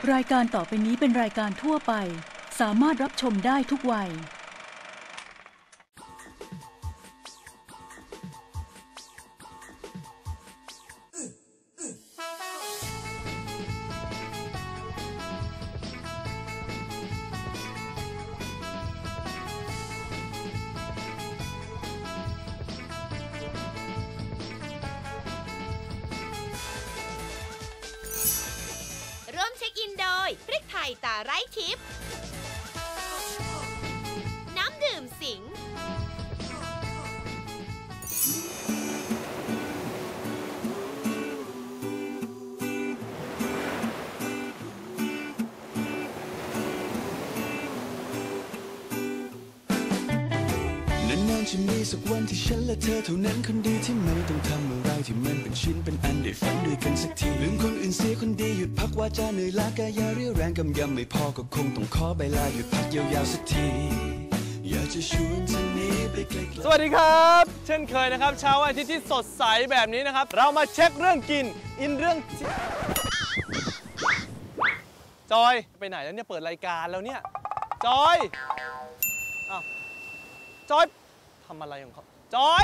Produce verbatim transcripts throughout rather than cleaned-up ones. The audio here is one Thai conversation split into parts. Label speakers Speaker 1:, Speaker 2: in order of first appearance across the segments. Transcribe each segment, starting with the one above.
Speaker 1: รายการต่อไปนี้เป็นรายการทั่วไปสามารถรับชมได้ทุกวัย
Speaker 2: ร่วมเช็คอินโดยพริกไทยตาไร้ทิพย์น้ำดื่มสิง
Speaker 3: นานๆจะมีสักวันที่ฉันและเธอเท่านั้นคนดีที่ไม่ต้องทำอะไรที่มันเป็นชิ้นเป็นอันได้ฝันด้วยกันสักทีลืมคนอื่นเสียคนดีหยุดพักวาจาเหนื่อยล้ากายเรี่ยวแรงกำยำไม่พอก็คงต้องขอใบลาหยุดพักยาวๆสักทีอยากจะชวนเธอหนีไปไกลๆ
Speaker 4: สวัสดีครับเช่นเคยนะครับเช้าวันอาทิตย์ที่สดใสแบบนี้นะครับเรามาเช็คเรื่องกินอินเรื่องจอยไปไหนแล้วเนี่ยเปิดรายการแล้วเนี่ยจอยอ้าวจอยทำอะไรของเขาจอย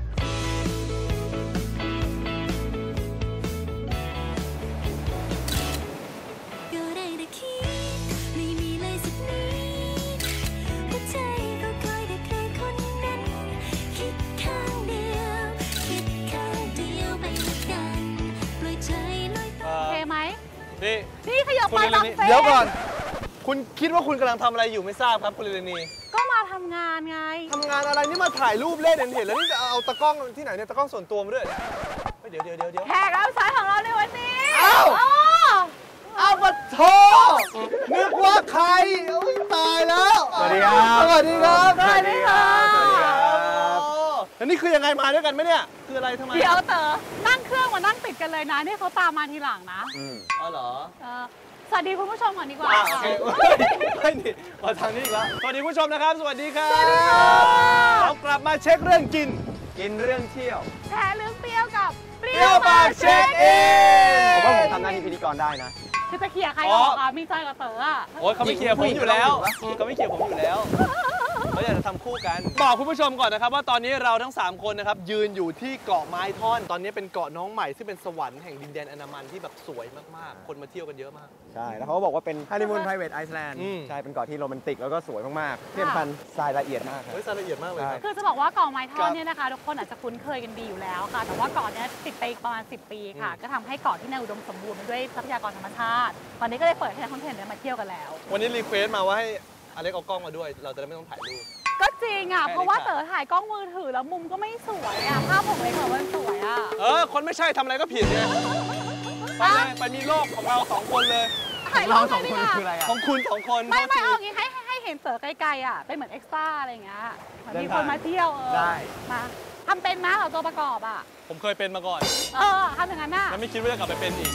Speaker 4: นี่
Speaker 5: นี่ขยับไปบางเฟส
Speaker 4: เดี๋ยวก่อนคุณคิดว่าคุณกำลังทำอะไรอยู่ไม่ทราบครับคุณลิลนี
Speaker 5: ก็มาทำงานไง
Speaker 4: ทำงานอะไรนี่มาถ่ายรูปเล่นเห็นแล้วนี่จะเอาตะกล้องที่ไหนเนี่ยตะกล้องส่วนตัวมาด้วยเดี๋ยวเดี๋ยวเดี๋ยวเดี๋ยว
Speaker 5: แขกรับเชิญของเราในวันนี้
Speaker 4: อ้าวอ้าวมาโทนึกว่าใครตายแล้วสวัสดีครับสวัสดีครับ
Speaker 5: สวัสดีครับ
Speaker 4: สวัสดีครับแล้วนี่คือยังไงมาด้วยกันไหมเนี่ยคืออะไรทำไม
Speaker 5: เดี๋ยวเต๋อนั่งเครื่องมานั่งติดกันเลยนะนี่เขาตามมาทีหลังนะ
Speaker 4: อืมอ๋อเหรอ
Speaker 5: สวัสดีคุณผู้ชมก่อนดีกว่า
Speaker 4: โอเคไม่นี่มาทางนี้อีกแล้วสวัสดีคุณผู้ชมนะครับสวัสดีครับเรากลับมาเช็คเรื่องกินกินเรื่องเที่ยว
Speaker 5: แชร์เรื่องเปรี้ยวกับ
Speaker 4: เปรี้ยวปากเช็คอิน
Speaker 6: ผมว่าผมทำหน้าที่พิธีกรได้นะ
Speaker 5: คือจะเขี่ยใครออกอ่ะมีใจกับเต๋ออ่ะ
Speaker 4: โอ้ยเขาไม่เขี่ยผมอยู่แล้วเขาไม่เขี่ยผมอยู่แล้วเขาอยากจะทำคู่กันบอกคุณผู้ชมก่อนนะครับว่าตอนนี้เราทั้งสามคนนะครับยืนอยู่ที่เกาะไม้ท่อนตอนนี้เป็นเกาะน้องใหม่ซึ่งเป็นสวรรค์แห่งดินแดนอันดามันที่แบบสวยมากๆคนมาเที่ยวกันเยอะมาก
Speaker 6: ใช่แล้วเขาก็บอกว่าเป็นฮันนีมูนไพรเวทไอซ์แลนด์ใช่เป็นเกาะที่โรแมนติกแล้วก็สวยมากๆที่สำคัญทรายละเอียดมากครับ
Speaker 4: ทรายละเอียดมากเลย
Speaker 5: คือจะบอกว่าเกาะไม้ท่อนเนี่ยนะคะทุกคนอาจจะคุ้นเคยกันดีอยู่แล้วค่ะแต่ว่าเกาะนี้ติดไปประมาณสิบปีค่ะก็ทำให้เกาะที่น่าอุดมสมบูรณ์ไปด้วยทรัพยากรธรรมชาติตอนนี้ก็เลยเปิดให้นักท่องเที่ยวมาเที่ยวกันแล้ว
Speaker 4: วันนี้รีเควสมาว่าให้อเล็กเอากล้องมาด้วยเราจะได้ไม่ต้องถ่ายรูป
Speaker 5: ก็จริงอ่ะเพราะว่าเต๋อถ่ายกล้องมือถือแล้วมุมก็ไม่สวยอ่ะภาพผมเลยเต๋อมันสวยอ่ะ
Speaker 4: เออคนไม่ใช่ทำอะไรก็ผิดไงไปเลยไปมีโลกของเราสองคนเลย
Speaker 6: เราสองคนคืออะไรอ่ะ
Speaker 4: ของคุณสองคน
Speaker 5: ไม่ไม่เอางี้ให้ให้เห็นเต๋อไกลๆอ่ะเป็นเหมือนเอ็กซ์ตร้าอะไรอย่างเงี้ยเหมือนมีคนมาเที่ยวเออ
Speaker 6: ได้
Speaker 5: มาทำเป็นนะเหรอตัวประกอบอ่ะ
Speaker 4: ผมเคยเป็นมาก่อน
Speaker 5: เออทำอย่างนั้นน่ะ
Speaker 4: แล้วไม่คิดว่าจะกลับไปเป็นอีก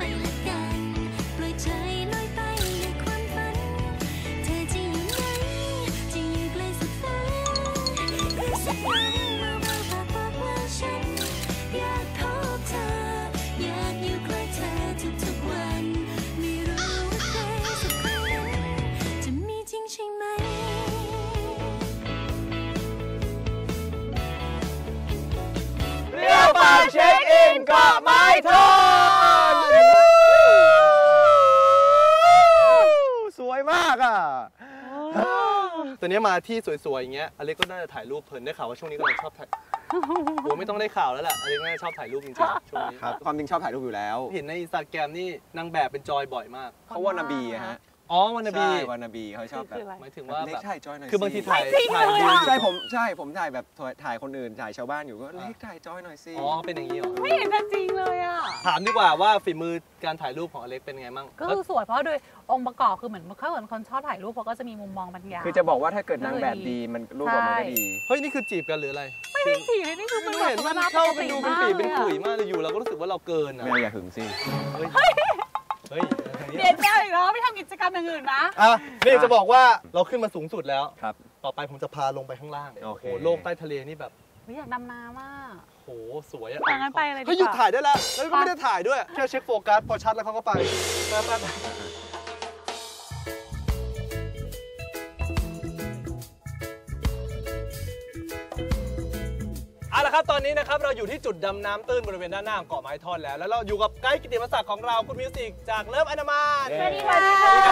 Speaker 4: เช็คอินเกาะไม้ท่อน
Speaker 6: สวยมากอ่ะ
Speaker 4: ตัวนี้มาที่สวยๆอย่างเงี้ยอเล็กก็น่าจะถ่ายรูปเพลินได้ข่าวว่าช่วงนี้ก็เลยชอบถ่ายโอ้ไม่ต้องได้ข่าวแล้วแหละอเล็กน่าจะชอบถ่ายรูปจริงๆช่วงนี้
Speaker 6: ครับความจริงชอบถ่ายรูปอยู่แล้ว
Speaker 4: เห็นในอินสตาแกรมนี่นางแบบเป็นจอยบ่อยมาก
Speaker 6: เขาว่านาบีฮะ
Speaker 4: อ๋อวานาบี
Speaker 6: วานาบีเขาชอบแบบ
Speaker 4: หมายถึงว่า
Speaker 6: เล็กถ่ายจอยหน่อย
Speaker 4: คือบางทีถ่าย
Speaker 5: ถ่าย
Speaker 6: ใช่ผมใช่ผมถ่ายแบบถ่ายคนอื่นถ่ายชาวบ้านอยู่ก็เล็กถ่ายจอยหน่อยสิ
Speaker 4: อ๋อเป็นอย่างนี้เหรอ
Speaker 5: ไม่เห็นจริงเลยอ่ะ
Speaker 4: ถามดีกว่าว่าฝีมือการถ่ายรูปของอเล็กเป็นไงมั่ง
Speaker 5: ก็คือสวยเพราะโดยองค์ประกอบคือเหมือนเขาเหมือนคนชอบถ่ายรูปเพราะก็จะมีมุมมองบางอย่าง
Speaker 6: คือจะบอกว่าถ้าเกิดนางแบบดีมันรูปออกมาก็ดี
Speaker 4: เฮ้ยนี่คือจีบกันหรืออะไร
Speaker 5: ไม่ได้จีบเลยนี่คือมัน
Speaker 4: เห็นมันเข้าไปดูเป็นปีเป็นขุยมากเลยอยู่เราก็รู้สึกว่าเราเกินอ่ะ
Speaker 6: ไม่อย่าหึงสิ
Speaker 4: เฮ้ย
Speaker 5: เปลี่ยนแนวอีกแล้วไม่ทำกิจกรรมอย่างอื่นนะ
Speaker 4: อ่ะนี่จะบอกว่าเราขึ้นมาสูงสุดแล้ว
Speaker 6: ครับ
Speaker 4: ต่อไปผมจะพาลงไปข้างล่าง
Speaker 6: โอ้โห
Speaker 4: โลกใต้ทะเลนี่แบบ
Speaker 5: อยากดำน้ำมาก
Speaker 4: โหสวยอ่ะ
Speaker 5: งั้นไปเลย
Speaker 4: เขาหยุดถ่ายได้แล้วแล้วก็ไม่ได้ถ่ายด้วยแค่เช็คโฟกัสพอชัดแล้วเขาก็ไปไปละครับตอนนี้นะครับเราอยู่ที่จุดดำน้ำตื้นบริเวณด้านหน้าของเกาะไม้ท่อนแล้วแล้วเราอยู่กับไกด์กิตติมศักดิ์ของเราคุณมิวสิกจากเลิฟอนามัน
Speaker 7: สวัสดีค่ะ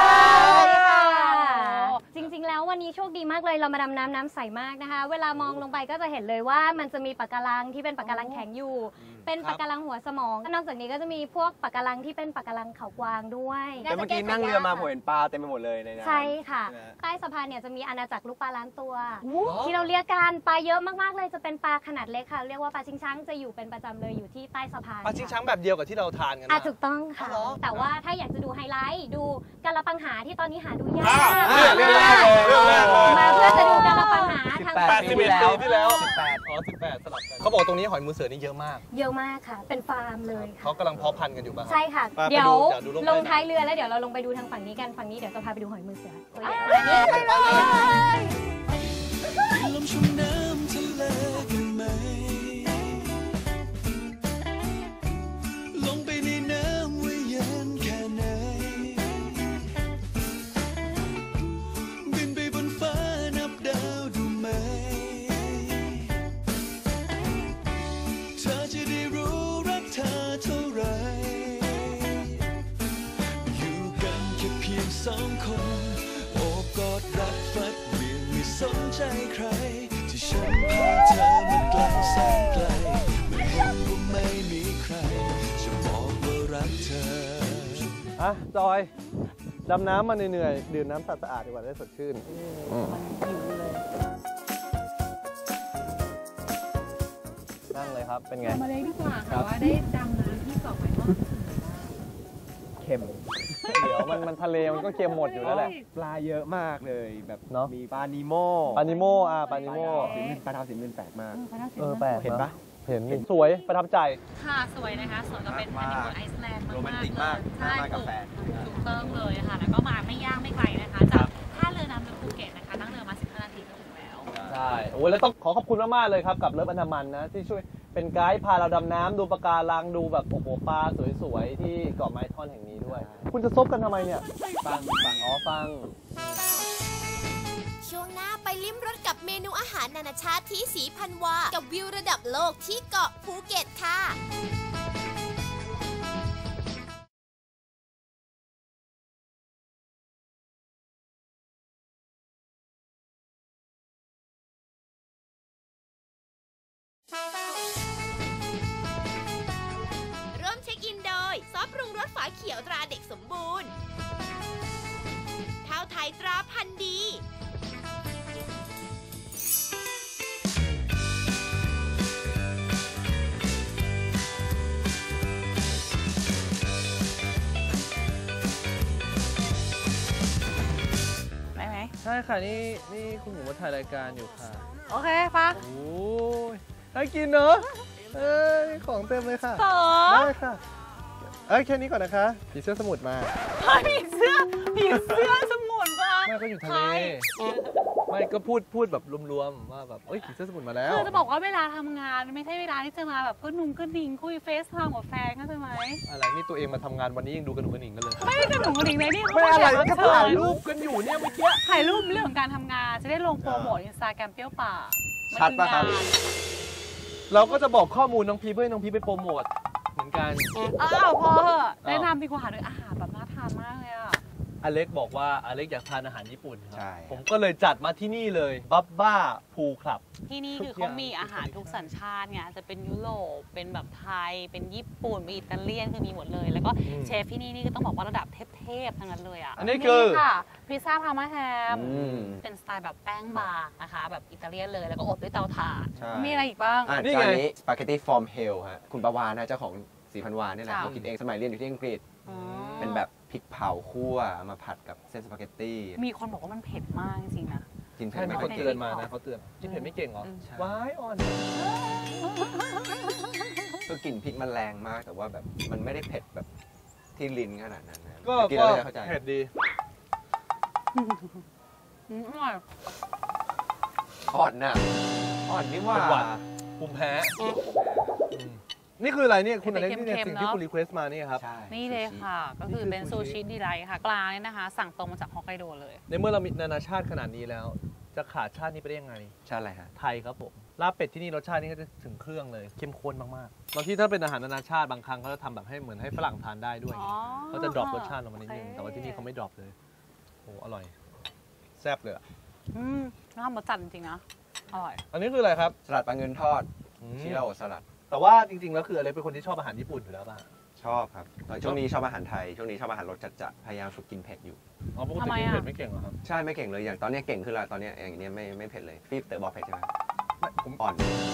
Speaker 7: จริงๆแล้ววันนี้โชคดีมากเลยเรามาดำน้ำน้ำใสมากนะคะเวลามองลงไปก็จะเห็นเลยว่ามันจะมีปะการังที่เป็นปะการังแข็งอยู่เป็นปะการังหัวสมองนอกจากนี้ก็จะมีพวกปะการังที่เป็นปะการังเขากวางด้วย
Speaker 6: แต่เมื่อกี้นั่งเรือมาผมเห็นปลาเต็มไปหมดเลยในน้ำ
Speaker 7: ใช่ค่ะใต้สะพานเนี่ยจะมีอาณาจักรลูกปลาล้านตัวที่เราเรียกกันปลาเยอะมากๆเลยจะเป็นปลาขนาดเล็กค่ะเรียกว่าปลาชิงช้างจะอยู่เป็นประจำเลยอยู่ที่ใต้สะพาน
Speaker 4: ปลาชิงช้างแบบเดียวกับที่เราทานกัน
Speaker 7: อ่ะ
Speaker 4: นะ
Speaker 7: ถูกต้องค่ะ
Speaker 4: อ๋อเหรอ
Speaker 7: แต่ว่าถ้าอยากจะดูไฮไลท์ดูกะละปังหาที่ตอนนี้หาดูยาก
Speaker 4: อ่ะเรื่องแรกเลยเรื่องแรกเลย
Speaker 7: มาเพื่อจะดูกะละปังหาทาง
Speaker 4: แปดสิบเอ็ดปีที่แล้ว
Speaker 6: สิบแปด
Speaker 4: อ๋อสิบแปดสลับกันเขาบอกตรงนี้หอยมือเสือนี่เยอะมาก
Speaker 7: เยอะมากค่ะ เป็นฟาร์มเลยค่ะ
Speaker 4: เขากำลังเพาะพันธุ์กันอยู่ป่ะครับ
Speaker 7: ใช่ค่ะ
Speaker 4: ไปไป
Speaker 7: เดี๋ยว
Speaker 4: ดูเดี๋ยวดูลงไป
Speaker 7: ลงท้ายเรือแล้วเดี๋ยวเราลงไปดูทางฝั่งนี้กันฝั่งนี้เดี๋ยวจะพาไปดูหอยมือเสือตัวใหญ่
Speaker 3: ไปลมชุ่มน้ำทะเลกันไหมลงไปในน้ำว่าเย็นแค่ไหนบินไปบนฟ้านับดาวดูไหมเธอจะได้รู้รักเธอเท่าไรอยู่กันแค่เพียงสองคนโอบกอดรัดฟัดเวียงไม่สนใจใครที่ฉันพาเธอมาไกลแสนไกลไม่เห็นว่าไม่มีใครจะบอกว่ารักเธอ
Speaker 4: อ่ะจอยดำน้ำมาเหนื่อยๆดื่มน้ำสะอาดๆดีกว่าได้สดชื่นนั่งเลยครับเป็นไง
Speaker 5: มาเลยดีกว่าค่ะว่าได้ดำน้ำที่เกาะไม้ท่อน
Speaker 6: เค็ม
Speaker 4: เดี๋ยวมันมันทะเลมันก็เค็มหมดอยู่แล้วแหละ
Speaker 6: ปลาเยอะมากเลยแบบ
Speaker 4: เนอะ
Speaker 6: มีปลานิโม
Speaker 4: ปานิโมอ่ะปานิโม
Speaker 6: สีปลาเทาสีมื่นแปลกมาก
Speaker 4: เออแปลก
Speaker 6: เห็นปะ
Speaker 4: เห็นสวยประทับใจ
Speaker 5: ค่ะสวยนะคะสวยก็เป็นฮันนีมูนไอซ์แลนด์มากๆ
Speaker 6: โรแมนติกมาก
Speaker 5: ใช่
Speaker 6: มากกาแฟ
Speaker 5: ถูกต้องเลยค่ะแล้วก็มาไม่ยากไม่ไกลนะคะจากท่าเรือน้ำลึกภูเก็ตนะคะนั่งเรือมาสิบห้านาทีก็ถึงแล้ว
Speaker 4: ใช่โอ้ยแล้วต้องขอขอบคุณมากๆเลยครับกับเลิฟอนามันนะที่ช่วยเป็นไกด์พาเราดำน้ำดูปะการังดูแบบโอ้โหปลาสวยๆที่เกาะไม้ท่อนแห่งนี้ด้วย คุณจะซบกันทำไมเนี่ย
Speaker 6: ฟังฟัง
Speaker 4: อ๋อฟัง
Speaker 2: ช่วงหน้าไปลิ้มรสกับเมนูอาหารนานาชาติที่สีพันวา กับวิวระดับโลกที่เกาะภูเก็ตค่ะ ร่วมเช็คอินโดย ซอสปรุงรสฝาเขียวตราเด็กสมบูรณ์เท้าไทยตราพันธุ์ดี
Speaker 5: ได้ไหม
Speaker 4: ใช่ค่ะนี่นี่คุณหมูมาถ่ายรายการอยู่ค่ะ
Speaker 5: โอเคปะ
Speaker 4: โอ้ยน่ากินเนอะเอ้ยของเต็มเลยค่ะ
Speaker 5: ต่อ
Speaker 4: ได้ค่ะเอ้ยแค่นี้ก่อนนะคะผีเสื้อสมุทรมา
Speaker 5: ผีเสื้อผีเสื้อสมุนปะ
Speaker 4: ไม่ก็อยู่ทะเลไม่ก็พูดพูดแบบรวมๆว่าแบบเอ้ยผีเสื้อสมุทรมาแล้ว
Speaker 5: คือจะบอกว่าเวลาทำงานไม่ใช่เวลาที่จะมาแบบก็นุ่งก็ดิ่งคุยเฟซไทม์กับแฟนก็ใช่ไหม
Speaker 4: อะไรนี่ตัวเองมาทำงานวันนี้ยังดูกระหนุ่งกระหนิงกันเลย
Speaker 5: ไม่ได้กระหนุ่งกระดิ่งเลยนี่เขา
Speaker 4: ไม่อะไร
Speaker 5: มา
Speaker 4: ก็
Speaker 5: แขกบ
Speaker 4: ถ่าย
Speaker 5: เชิญ
Speaker 4: รูปกันอยู่เนี่ยเมื่อกี้
Speaker 5: ถ่ายรูปเรื่องของการทำงานจะได้ลงโปรโมทอินสตาแกรมเปรี้ยวป่า
Speaker 6: ชัดปะครับ
Speaker 4: เราก็จะบอกข้อมูลน้องพีเพื่อให้น้องพีไปโปรโมทเหมือนกัน
Speaker 5: อ้าวพอเหอะแนะนำดีกว่าเลยอาหารแบบน่าทานมากเลยอ่ะ
Speaker 4: อเล็กบอกว่าอเล็กอยากทานอาหารญี่ปุ่นครั
Speaker 6: ใช่
Speaker 4: ผมก็เลยจัดมาที่นี่เลยบับบ้าพูคลับ
Speaker 5: ที่นี่คือเขามีอาหารทุกสัญชาติไงจะเป็นยุโรปเป็นแบบไทย เป็นญี่ปุ่นเป็นอิตาเลียนคือมีหมดเลย แล้วก็
Speaker 4: อืม
Speaker 5: เชฟที่นี่นี่ก็ต้องบอกว่าระดับเทพๆทั้งนั้นเลยอ่ะ
Speaker 4: อันนี้คือ
Speaker 5: ค่ะพิซซ่าพาร์มาแฮม
Speaker 6: อืม
Speaker 5: เป็นสไตล์แบบแป้งบางนะคะ แบบอิตาเลียนเลยแล้วก็อบด้วยเตาถ่าน
Speaker 6: ใช่
Speaker 5: มีอะไรอีกบ้าง
Speaker 6: อ่ะ
Speaker 4: นี่
Speaker 6: จาน
Speaker 4: ไง
Speaker 6: นี้สปาเกตตี้ฟอร์มเฮลฮะคุณประวานนะเจ้าของสีพันวานนี่แหละ
Speaker 5: ค่ะ
Speaker 6: เขากินเองสมัยเรียนอยู่ที่อังกฤษ
Speaker 5: อ๋อ
Speaker 6: เป็นแบบพริกเผาคั่วเอามาผัดกับเส้นสปาเกตตี้
Speaker 5: มีคนบอกว่ามันเผ็ดมากจริงๆนะ
Speaker 6: กินเผ็
Speaker 4: ใช่
Speaker 6: ด
Speaker 4: มี
Speaker 6: ไม่
Speaker 4: ค
Speaker 6: ค่อน ย
Speaker 4: เตื
Speaker 6: เก่
Speaker 4: อน
Speaker 6: ง
Speaker 4: มานะเขาเตือนกินเผ็ดไม่เก่งเหรอ
Speaker 5: อืม
Speaker 4: ว้ายอ่อน
Speaker 6: ก็กลิ่นพริกมันแรงมากแต่ว่าแบบมันไม่ได้เผ็ดแบบที่ลิ้นขนาดนั้นนะ
Speaker 4: ก็
Speaker 6: กิน
Speaker 4: ก็
Speaker 6: แล้วจะเข้าใจ
Speaker 4: เผ็ดดี
Speaker 5: อืมอร่อย
Speaker 6: อ่อนน่ะอ่อนนี่ว่า
Speaker 4: เป็นหวัด ภูมิแพ้อืมนี่คืออะไรเนี่ยคุณอเล็กนี่เนี่ย
Speaker 5: เค็มๆ
Speaker 4: สิ่งที่
Speaker 5: เนอะ
Speaker 4: คุณรีเควสต์มานี่ครับ
Speaker 6: ใช่
Speaker 5: นี่เลยค่ะ ก็คือเป็น
Speaker 4: นี่
Speaker 5: ซู
Speaker 4: คือซูชิ
Speaker 5: ชิดีไลท์ค่ะปลาเนี่ยนะคะ สั่งตรงมาจากฮอกไกโดเลย
Speaker 4: ในเมื่อเรามีนานาชาติขนาดนี้แล้ว จะขาดชาตินี้ไปได้ยังไง
Speaker 6: ใช่อะไรฮะ
Speaker 4: ไทยครับผมลาบเป็ดที่นี่รสชาตินี่ก็จะถึงเครื่องเลยเข้มข้นมากๆบางที่ถ้าเป็นอาหารนานาชาติบางครั้งเขาจะทำแบบให้เหมือนให้ฝรั่งทานได้ด้วยเขาจะดรอปรสชาติลงมานิดนึงแต่ว่าที่นี่เขาไม่ดรอปเลยโอ้อร่อยแซ่บเลยอ่ะ
Speaker 5: อืมน้ำมันจัดจริงๆนะอร่อย
Speaker 4: อันนี้คืออะไรครับ
Speaker 6: สลัดปลาเงินทอดชิราโอสลัด
Speaker 4: แต่ว่าจริงๆแล้วคืออะไรเป็นคนที่ชอบอาหารญี่ปุ่นอยู่แล้วป่ะ
Speaker 6: ชอบครับช่วงนี้ชอบอาหารไทยช่วงนี้ชอบอาหารรสจัดๆพยายามฝึกกินเผ็ดอยู่
Speaker 4: อ๋อปกติกินเผ็ดไม่เก่งเหรอครับ
Speaker 6: ใช่ไม่เก่งเลยอย่างตอนนี้เก่งขึ้นแล้วตอนนี้อย่างนี้ไม่ไม่เผ็ดเลยพี่เต๋อบอกเผ็ดใช่ไหมผมอ่อน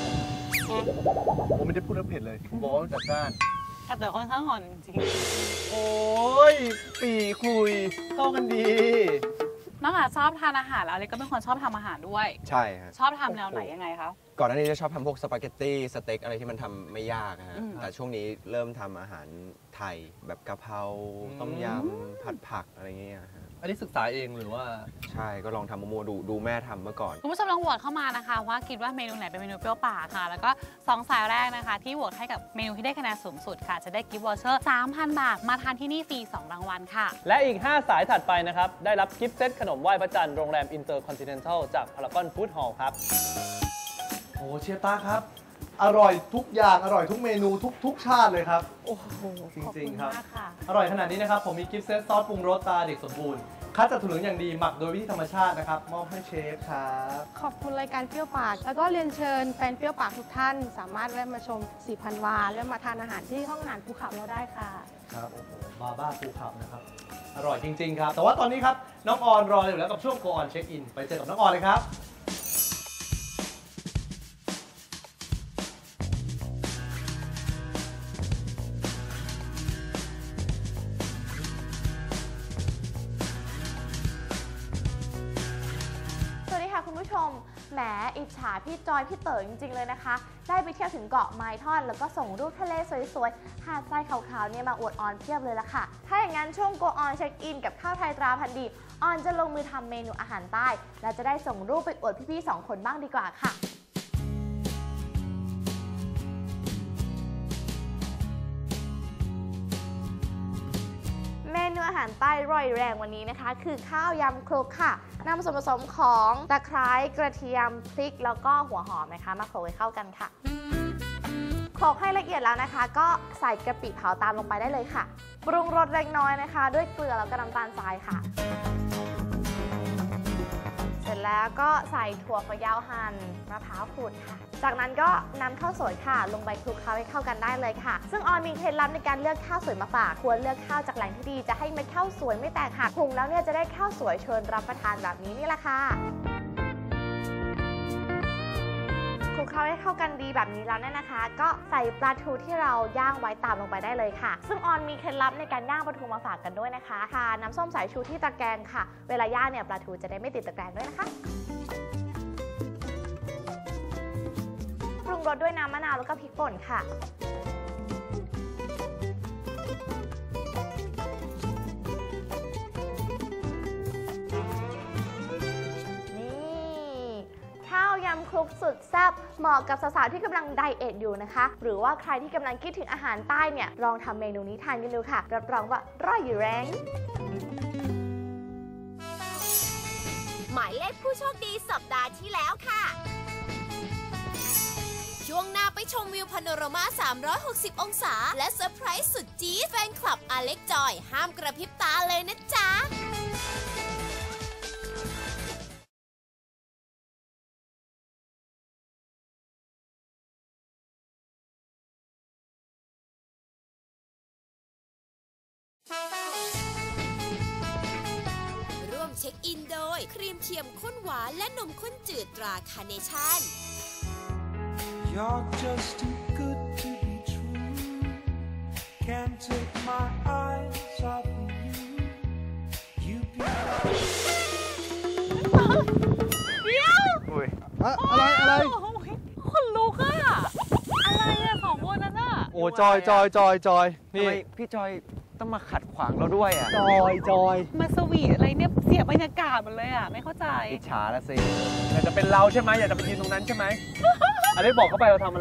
Speaker 4: ผมไม่ได้พูดเรื่องเผ็ดเลยผมบอกว่าจัดจ้าน
Speaker 5: แต่ค่อนข้างอ่อนจริง
Speaker 4: โอ้ยปีคุยเข้ากันดี
Speaker 5: น้องอาชอบทานอาหารแล้วเลยก็เป็นคนชอบทำอาหารด้วย
Speaker 6: ใช่ฮะ
Speaker 5: ชอบทำแนวไหนยังไงคะ
Speaker 6: ก่อนหน้านี้จะชอบทำพวกสปาเกตตี้สเต็กอะไรที่มันทำไม่ยากฮะแต่ช่วงนี้เริ่มทำอาหารไทยแบบกะเพราต้มยำผัดผักอะไรเงี้ยฮะ
Speaker 4: อันนี้ศึกษาเองหรือว่า
Speaker 6: ใช่ก็ลองทำมัวๆดูดูแม่ทำเมื่อก่อน
Speaker 5: คุณผู้ชมลองโหวตเข้ามานะคะว่าคิดว่าเมนูไหนเป็นเมนูเปรี้ยวปากค่ะแล้วก็สองสายแรกนะคะที่โหวตให้กับเมนูที่ได้คะแนนสูงสุดค่ะจะได้กิฟต์วอเชอร์ สามพัน บาทมาทานที่นี่ฟรีสองรางวัลค่ะ
Speaker 4: และอีกห้าสายถัดไปนะครับได้รับกิฟต์เซตขนมไหว้พระจันทร์โรงแรมอินเตอร์คอนติเนนทัลจากพารากอนฟู้ดฮอลล์ครับโอ้เชฟต้าครับอร่อยทุกอย่างอร่อยทุกเมนูทุกทุกชาติเลยครับ
Speaker 5: โอ้โห
Speaker 4: จริงๆครับอร่อยขนาดนี้นะครับผมมีกิฟต์เซตซอสปรุงรสตาเด็กสมบูรณ์คัดจากถั่วเหลืองอย่างดีหมักโดยวิธีธรรมชาตินะครับมอบให้เชฟครับ
Speaker 8: ขอบคุณรายการเปรี้ยวปากแล้วก็เรียนเชิญแฟนเปรี้ยวปากทุกท่านสามารถแวะมาชมสี่พันวาและมาทานอาหารที่ห้องอาหารภูเขาเราได้ค่ะ
Speaker 4: ครับโอ้โหบาบ้าภูเขานะครับอร่อยจริงๆครับแต่ว่าตอนนี้ครับน้องออนรออยู่แล้วกับช่วง Go On Check In ไปเจอกับน้องออนเลยครับ
Speaker 9: คุณผู้ชมแหมอิจฉาพี่จอยพี่เต๋อจริงๆเลยนะคะได้ไปเที่ยวถึงเกาะไม้ท่อนแล้วก็ส่งรูปทะเลสวยๆหาดทรายขาวๆเนี่ยมาอวดออนเพียบเลยละค่ะถ้าอย่างนั้นช่วง Go On Check In กับข้าวไทยตราพันธุ์ดีออนจะลงมือทำเมนูอาหารใต้และจะได้ส่งรูปไปอวดพี่ๆสองคนบ้างดีกว่าค่ะเมนูอาหารใต้ร่อยแรงวันนี้นะคะคือข้าวยำคลุกค่ะนำส่วนผสมของตะไคร้กระเทียมพริกแล้วก็หัวหอมนะคะมาโขลกให้เข้ากันค่ะโขลกให้ละเอียดแล้วนะคะก็ใส่กะปิเผาตามลงไปได้เลยค่ะปรุงรสเล็กน้อยนะคะด้วยเกลือแล้วก็น้ำตาลทรายค่ะเสร็จแล้วก็ใส่ถั่วฝักยาวหั่นมะพร้าวขูดค่ะจากนั้นก็นำข้าวสวยค่ะลงไปคลุกเคล้าให้เข้ากันได้เลยค่ะซึ่งออนมีเคล็ดลับในการเลือกข้าวสวยมาฝากควรเลือกข้าวจากแหล่งที่ดีจะให้เม็ดข้าวสวยไม่แตกหักหุงแล้วเนี่ยจะได้ข้าวสวยเชิญรับประทานแบบนี้นี่แหละค่ะคลุกเคล้าให้เข้ากันดีแบบนี้แล้วเนี่ยนะคะก็ใส่ปลาทูที่เราย่างไว้ตามลงไปได้เลยค่ะซึ่งออนมีเคล็ดลับในการย่างปลาทูมาฝากกันด้วยนะคะทาน้ำส้มสายชูที่ตะแกรงค่ะเวลาย่างเนี่ยปลาทูจะได้ไม่ติดตะแกรงด้วยนะคะปรุงรสด้วยน้ำมะนาวแล้วก็พริกป่นค่ะนี่ข้าวยำคลุกสุดแซ่บเหมาะกับสาวๆที่กำลังไดเอทอยู่นะคะหรือว่าใครที่กำลังคิดถึงอาหารใต้เนี่ยลองทำเมนูนี้ทานกันดูค่ะรับรองว่าร่อยอยู่แรง
Speaker 2: หมายเลขผู้โชคดีสัปดาห์ที่แล้วค่ะช่วงหน้าไปชมวิวพาโนรามาสามร้อยหกสิบองศาและเซอร์ไพรส์สุดจี๊ดแฟนคลับอเล็กจอยห้ามกระพริบตาเลยนะจ๊ะร่วมเช็คอินโดยครีมเทียมข้นหวานและนมข้นจืดตราคาร์เนชั่น
Speaker 3: You're just too good to be true. Can't take my eyes off of you. You be.
Speaker 5: เดี๋ยว
Speaker 6: อะไรอะไร
Speaker 5: คนลุกอะอะไรอะสองคนนั้นอะ
Speaker 4: โอ้จอยจอยจอยจอย
Speaker 6: นี่พี่จอยต้องมาขัดขวางเราด้วยอะ
Speaker 4: จอยจอย
Speaker 5: มาสวีทอะไรเนี่ยเสียบรรยากาศหมดเลยอะไม่เข้าใจ
Speaker 6: อิจฉาละสิ
Speaker 4: อยากจะเป็นเราใช่ไหมอยากจะไปยืนตรงนั้นใช่ไหมอะไรบอกเขาไปเราทำอะไร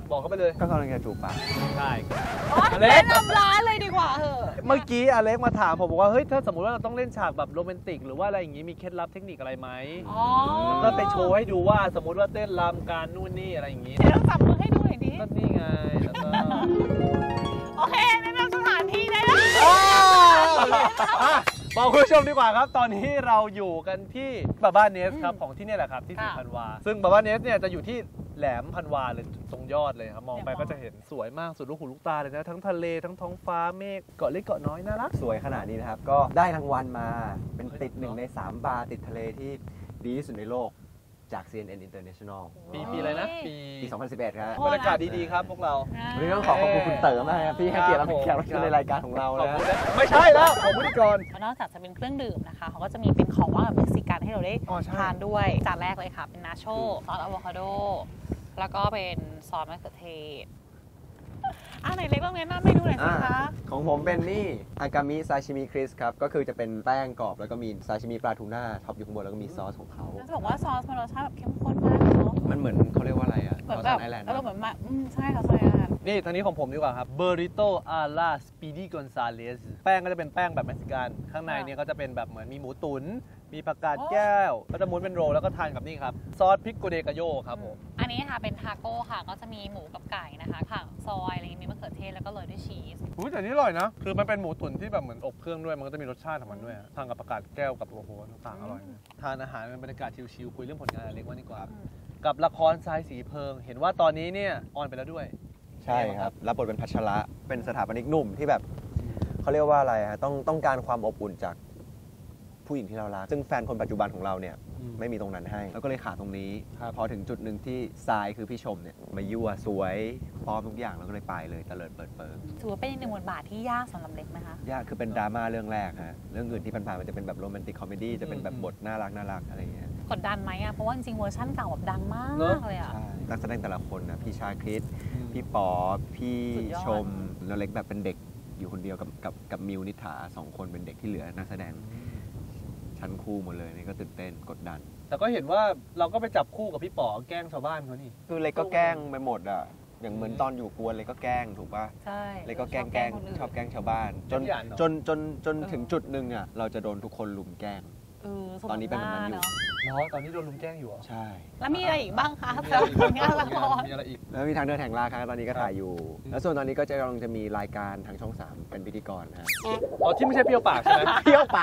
Speaker 4: บอกเขาไปเลย
Speaker 6: ก็กำลังจะจูบปาก
Speaker 4: ใช่
Speaker 5: อเล็กแนะนำร้านเลยดีกว่าเหอะ
Speaker 4: เมื่อกี้อเล็กมาถามผมบอกว่าเฮ้ยถ้าสมมติว่าเราต้องเล่นฉากแบบโรแมนติกหรือว่าอะไรอย่างงี้มีเคล็ดลับเทคนิคอะไรไหม
Speaker 5: อ๋อ
Speaker 4: ก็ไปโชว์ให้ดูว่าสมมติว่าเต้นรำการนู่นนี่อะไรอย่างงี้
Speaker 5: เดี๋ยวต้องจับมือให้ดูหน่อยดิ
Speaker 4: ก็นี่ไงแล้วก็
Speaker 5: โอเคแนะนำสถานที่ได้แล้ว
Speaker 4: อ่ะบอกคุณผู้ชมดีกว่าครับตอนนี้เราอยู่กันที่บาบ้าเนสครับของที่นี่แหละครับที่สีพันวาซึ่งบาบ้าเนสเนี่ยจะอยู่ที่แหลมพันวาเลยตรงยอดเลยครับมองไปก็จะเห็นสวยมากสุดลูกหูลูกตาเลยนะทั้งทะเลทั้งท้องฟ้าเมฆเกาะเล็กเกาะน้อยน่ารัก
Speaker 6: สวยขนาดนี้นะครับ ก็ได้รางวัลมาเป็นติดหนึ่งในสามบาร์ติดทะเลที่ดีที่สุดในโลกจาก ซี เอ็น เอ็น International
Speaker 4: ปีปีอะไรนะปี
Speaker 6: ปี สองพันสิบเอ็ด ครับ
Speaker 4: บรรยากาศดีๆครับพวกเรา
Speaker 6: วันนี้ต้องขอขอบคุณคุณเต๋อมากครับที่ให้เกียรติเราเป็นแขกรับเชิญในรายการของเรา
Speaker 4: ขอบ
Speaker 6: นะ
Speaker 4: คุณนะไม่ใช่แล้วขอบคุณก่อน
Speaker 5: นอกจากจะเป็นเครื่องดื่มนะคะเขาก็จะมีเป็นของว่างแบบเม็กซิกันให้เราได้
Speaker 4: อ๋อใช่
Speaker 5: ทานด้วยจานแรกเลยค่ะเป็นนาโชซอสอะโวคาโดแล้วก็เป็นซอสมะเขือเทศอ่ะไหนเล็กลองแนะนำเมนูหน่อยสิคะ
Speaker 6: ของผมเป็นนี่อากามิซาชิมิคริสครับ ก็คือจะเป็นแป้งกรอบแล้วก็มีซาชิมิปลาทูน่าท็อปอยู่ข้างบนแล้วก็มีซอสของเขา
Speaker 5: จะบอกว่าซอสมันรสชาติแบบเข้มข้นมากเนาะ
Speaker 6: มันเหมือนเขาเรียกว่าอะไรอ่ะ
Speaker 5: เหมือน
Speaker 6: ซอ
Speaker 5: แบ
Speaker 6: ส
Speaker 5: บ
Speaker 6: ไอแลนด์
Speaker 5: เออเหมือนมาอืมใช่ค่ะใช่ค่ะ
Speaker 4: นี่ทางนี้ของผมดีกว่าครับเบอริโตอาลาสปีดี้กอนซาเลสแป้งก็จะเป็นแป้งแบบเม็กซิกันข้างในเนี่ยก็จะเป็นแบบเหมือนมีหมูตุ๋นมีผักกาดแก้วก็จะม้วนเป็นโรลแล้วก็ทานกับนี่ครับซอสพริกโกเดกาโยครับผม
Speaker 5: อันนี้ค่ะเป็นทาโก้ค่ะก็จะมีหมูกับไก่นะคะค่ะซอยอะไรอย่างงี้มีมะเขือเทศแล้วก็โรยด้วยชีส
Speaker 4: อุ้ยแต่นี่อร่อยนะคือมันเป็นหมูตุ๋นที่แบบเหมือนอบเครื่องด้วยมันก็จะมีรสชาติของมันด้วยอะทานกับผักกาดแก้วกับโอ้โหต่างๆอร่อยนะทานอาหารเป็นบรรยากาศชิลๆคุยเรื่องผลงานอเล็กว่าดีกว่ากับละครทรายสีเพลิงเห็นว่าตอนนี้เนี่ยออนไปแล้วด้วย
Speaker 6: ใช่ครับรับบทเป็นพัชระเป็นสถาปนิกหนุ่มที่แบบเขาเรียกว่าอะไรฮะต้องต้องการความอบอุ่นจากผู้หญิงที่เรารักซึ่งแฟนคนปัจจุบันของเราเนี่ย
Speaker 4: อืม
Speaker 6: ไม่มีตรงนั้นให้แล้วก็เลยขาดตรงนี้
Speaker 4: ครับ
Speaker 6: พอถึงจุดหนึ่งที่ทรายคือพี่ชมเนี่ยมายั่วสวยพร้อมทุกอย่างแล้วก็เลยไปเลยเตลิดเปิดเปิง
Speaker 5: ถือว่าเป็นอีกหนึ่งบทบาทที่ยากสำหรับเล็กนะคะ
Speaker 6: ยากคือเป็นดราม่าเรื่องแรกฮะเรื่องอื่นที่ผ่านๆมันจะเป็นแบบโรแมนติกคอมเมดี้จะเป็นแบบบทน่ารักน่ารักอะไรอย่างเงี้ย
Speaker 5: กดดันไหมอ่ะเพราะว่าจริงๆเวอร์ชั่นเก่าแบบดังมาก
Speaker 4: เนอะ
Speaker 5: เลยอ่ะ
Speaker 6: ใช่นักแสดงแต่ละคนนะพี่ชาคริสพี่ป๋อพี่
Speaker 5: สุดยอด
Speaker 6: ชมแล้วเล็กแบบเป็นเด็กอยู่คนเดียวกับกับกับมิวนิษฐาสองคนเป็นเด็กที่เหลือนักแสดงชั้นคู่หมดเลยนี่ก็ตื่นเต้นกดดัน
Speaker 4: แต่ก็เห็นว่าเราก็ไปจับคู่กับพี่ป๋อแกล้งชาวบ้านเขานี่
Speaker 6: คือเล็กก็แกล้งไปหมดอ่ะอย่างเหมือนตอนอยู่กวนเล็กก็แกล้งถูกป่ะ
Speaker 5: ใช่
Speaker 6: เล็กก็แกล้งแกล้งชอบแกล้งชาวบ้าน จน
Speaker 4: ขยันเนอะ
Speaker 6: จนจนจนถึงจุดหนึ่งอ่ะเราจะโดนทุกคนลุมแกล้ง
Speaker 5: เออสม
Speaker 6: ตอนนี้เป็นแบบนั้นอยู่
Speaker 5: เนาะ
Speaker 4: เนาะตอนนี้โดนลุมแกล้งอยู่เหรอ
Speaker 6: ใช่
Speaker 5: แล้วมีอะไรอีกบ้างคะสำหรับผลงานละคร
Speaker 4: มีอะไรอีก
Speaker 6: แล้วมีทางเดินแห่งราคาตอนนี้ก็ถ่ายอยู่ แล้วส่วนตอนนี้ก็จะกำลังจะมีรายการทางช่องสามเป็นพิธีกรนะฮะ
Speaker 4: อ๋อที่ไม่ใช่เปรี้ยวปากใช่ไหม
Speaker 6: เที่ยวปาก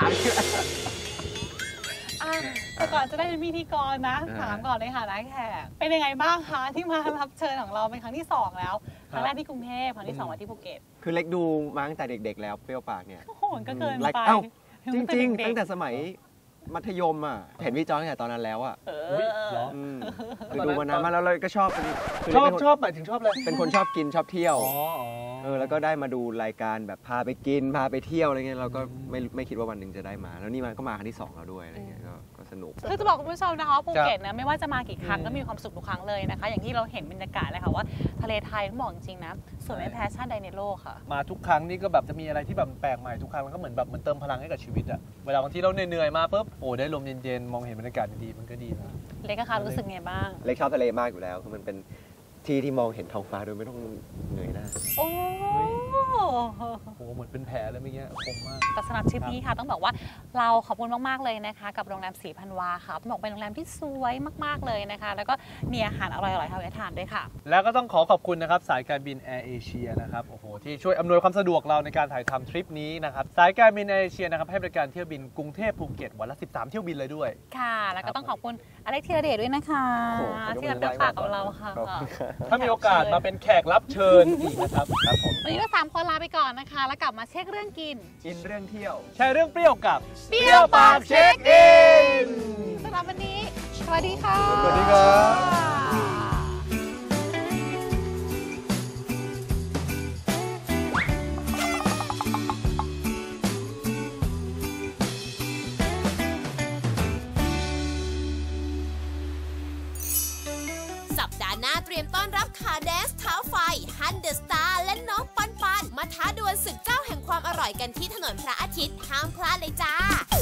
Speaker 5: อ่ะแต่ก่อนจะได้เป็นพิธีกรนะ
Speaker 6: อ่า
Speaker 5: ถามก่อนเลยค่ะนายแขกเป็นยังไงบ้างคะที่มารับเชิญของเราเป็นครั้งที่สองแล้วครั้งแรกที่กรุงเทพครั้งที่สองมาที่ภูเก็ต
Speaker 6: คือเล็กดูมาตั้งแต่เด็กๆแล้วเปรี้ยวปากเนี่ย
Speaker 5: โอ้โหก็เกิน
Speaker 6: ราย
Speaker 5: ไป
Speaker 6: เอ้าจริงๆ
Speaker 5: เด็กๆ
Speaker 6: ตั้งแต่สมัยมัธยมอ่ะเห็นพี่จอนตั้งแต่ตอนนั้นแล้วอ่ะ
Speaker 5: เอ
Speaker 4: อุ๊ย
Speaker 5: อ
Speaker 4: เหรอ
Speaker 6: อืมคือดูมานานมากแล้วเราก็ชอบเป็นคื
Speaker 4: ชอบ
Speaker 6: เล็กเป็นคน
Speaker 4: ชอบหมายถึงชอบเลย
Speaker 6: เป็นคนชอบกินชอบเที่ยว
Speaker 4: อ๋ออ๋อ
Speaker 6: เออแล้วก็ได้มาดูรายการแบบพาไปกินพาไปเที่ยวอะไรเงี้ยเราก็ไม่ไม่คิดว่าวันหนึ่งจะได้มา แล้วนี่มันก็มาครั้งที่สองแล้วด้วยอะไรเงี้ยก็ก็สนุก
Speaker 5: คือจะบอกคุณผู้ชมนะคะว่าภูเก็ตนะไม่ว่าจะมากี่ครั้งก็มีความสุขทุกครั้งเลยนะคะ อย่างที่เราเห็นบรรยากาศเลยค่ะว่าทะเลไทยต้องบอกจริงๆนะสวยไม่แพ้ชาติใดในโลกค่ะ
Speaker 4: มาทุกครั้งนี่ก็แบบจะมีอะไรที่แบบแปลกใหม่ทุกครั้งมันก็เหมือนแบบเหมือนเติมพลังให้กับชีวิตอะเวลาบางทีเราเหนื่อยๆมาปุ๊บโอ้ได้ลมเย็นๆมองเห็นบรรยากาศดีๆมันก็ดีนะ
Speaker 5: เล็กนะคะรู้สึกไงบ้าง
Speaker 6: เล็กชอบทะเลมากอยู่แล้วคือมันเป็นที่ที่มองเห็นท้องฟ้าโดยไม่ต้องเหนื่อยหน้า
Speaker 5: โอ้
Speaker 4: โอ้เหมือนเป็นแผลเลยเมื่อกี้คมมาก
Speaker 5: แต่สำหรับทริปนี้ค่ะต้องบอกว่าเราขอบคุณมากๆเลยนะคะ กับโรงแรมสีพันวาค่ะต้องบอกเป็นโรงแรมที่สวยมากๆเลยนะคะ แล้วก็มีอาหารอร่อยๆให้เราทานด้วยค่ะ
Speaker 4: แล้วก็ต้องขอขอบคุณนะครับสายการบินแอร์เอเชียนะครับโอ้โหที่ช่วยอำนวยความสะดวกเราในการถ่ายทำทริปนี้นะครับสายการบินแอร์เอเชียนะครับให้บริการเที่ยวบินกรุงเทพภูเก็ตวันละสิบสามเที่ยวบินเลยด้วย
Speaker 5: ค่ะ แล้วก็ต้องขอบคุณอเล็กธีรเดชด้วยนะคะ
Speaker 6: โอ้โห
Speaker 5: ที่รับเลือกปากกับเราค่ะ
Speaker 6: ขอบคุณครับ
Speaker 4: ถ้ามีโอกาสมาเป็นแขกรับเชิญอีกนะครับครับผม
Speaker 5: วันนี้เราสามคนลาไปก่อนนะคะ แล้วกลับมาเช็คเรื่องกิน
Speaker 6: กินเรื่องเที่ยว
Speaker 4: แชร์เรื่องเปรี้ยวกับ
Speaker 5: เปรี้ยวปากเช็คอินสำหรับวันนี้สวัสดีค่ะ
Speaker 4: สวัสดีครับ
Speaker 2: สัปดาห์หน้าเตรียมต้อนรับขาแดนซ์เท้าไฟฮันเดอะสตาร์และน้องปันปันมาท้าดวลศึกเจ้าแห่งความอร่อยกันที่ถนนพระอาทิตย์ห้ามพลาดเลยจ้า